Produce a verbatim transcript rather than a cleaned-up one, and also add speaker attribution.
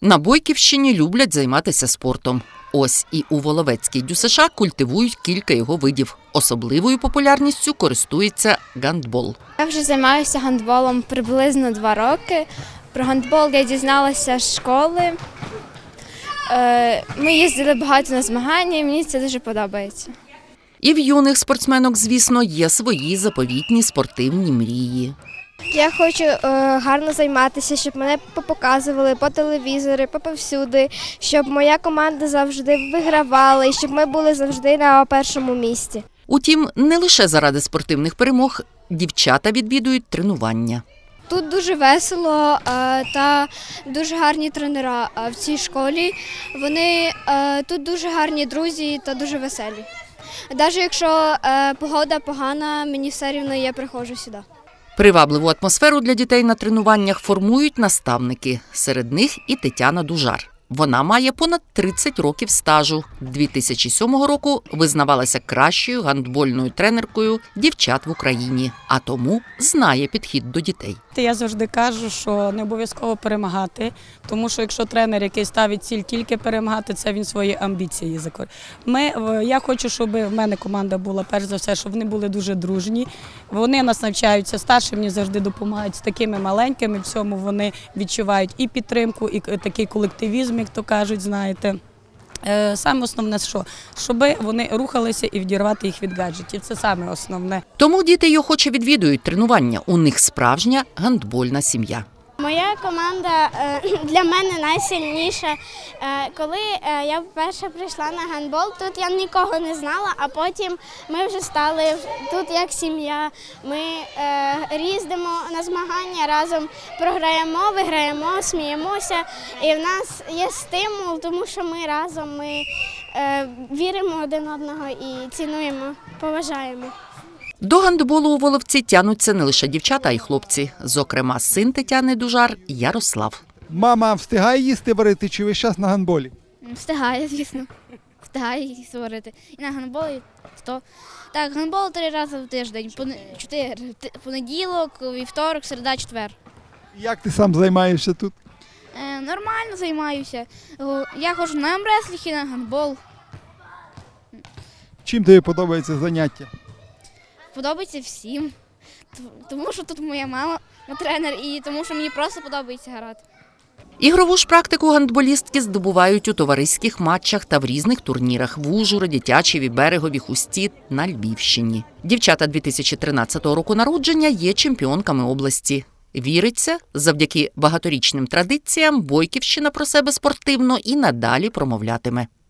Speaker 1: На Бойківщині люблять займатися спортом. Ось і у Воловецькій ДЮСШ культивують кілька його видів. Особливою популярністю користується гандбол.
Speaker 2: Я вже займаюся гандболом приблизно два роки. Про гандбол я дізналася з школи. Ми їздили багато на змагання і мені це дуже подобається.
Speaker 1: І в юних спортсменок, звісно, є свої заповітні спортивні мрії.
Speaker 3: Я хочу е, гарно займатися, щоб мене показували по телевізору, по повсюди, щоб моя команда завжди вигравала і щоб ми були завжди на першому місці.
Speaker 1: Утім, не лише заради спортивних перемог дівчата відвідують тренування.
Speaker 2: Тут дуже весело та дуже гарні тренера в цій школі. Вони тут дуже гарні друзі та дуже веселі. Навіть якщо погода погана, мені все рівно я приходжу сюди.
Speaker 1: Привабливу атмосферу для дітей на тренуваннях формують наставники. Серед них і Тетяна Дужар. Вона має понад тридцять років стажу. дві тисячі сьомого року визнавалася кращою гандбольною тренеркою дівчат в Україні, а тому знає підхід до дітей.
Speaker 4: Я завжди кажу, що не обов'язково перемагати, тому що якщо тренер, який ставить ціль тільки перемагати, це він свої амбіції закор. Ми, я хочу, щоб в мене команда була, перш за все, щоб вони були дуже дружні. Вони нас навчаються, старші мені завжди допомагають з такими маленькими, в цьому вони відчувають і підтримку, і такий колективізм, як то кажуть, знаєте. Саме основне, що? Щоб вони рухалися і відірвати їх від гаджетів. Це саме основне.
Speaker 1: Тому діти й охоче відвідують тренування. У них справжня гандбольна сім'я.
Speaker 5: Моя команда для мене найсильніша. Коли я вперше прийшла на гандбол, тут я нікого не знала, а потім ми вже стали тут як сім'я. Ми їздимо на змагання, разом програємо, виграємо, сміємося. І в нас є стимул, тому що ми разом, ми віримо один одного і цінуємо, поважаємо.
Speaker 1: До гандболу у Воловці тянуться не лише дівчата, а й хлопці. Зокрема, син Тетяни Дужар – Ярослав.
Speaker 6: Мама встигає їсти варити чи весь час на гандболі?
Speaker 7: Встигає, звісно. Встигає їсти варити. І на гандболі сто. Так, гандбол три рази в тиждень. Чотири. Понеділок, вівторок, середа, четвер.
Speaker 6: Як ти сам займаєшся тут?
Speaker 7: Е, нормально займаюся. Я ходжу на армреслінг і на гандбол.
Speaker 6: Чим тобі подобається заняття?
Speaker 7: Подобається всім. Тому що тут моя мама тренер і тому що мені просто подобається грати.
Speaker 1: Ігрову ж практику гандболістки здобувають у товариських матчах та в різних турнірах в Ужгороді, Тячеві, Берегові, Хусті на Львівщині. Дівчата дві тисячі тринадцятого року народження є чемпіонками області. Віриться, завдяки багаторічним традиціям Бойківщина про себе спортивно і надалі промовлятиме.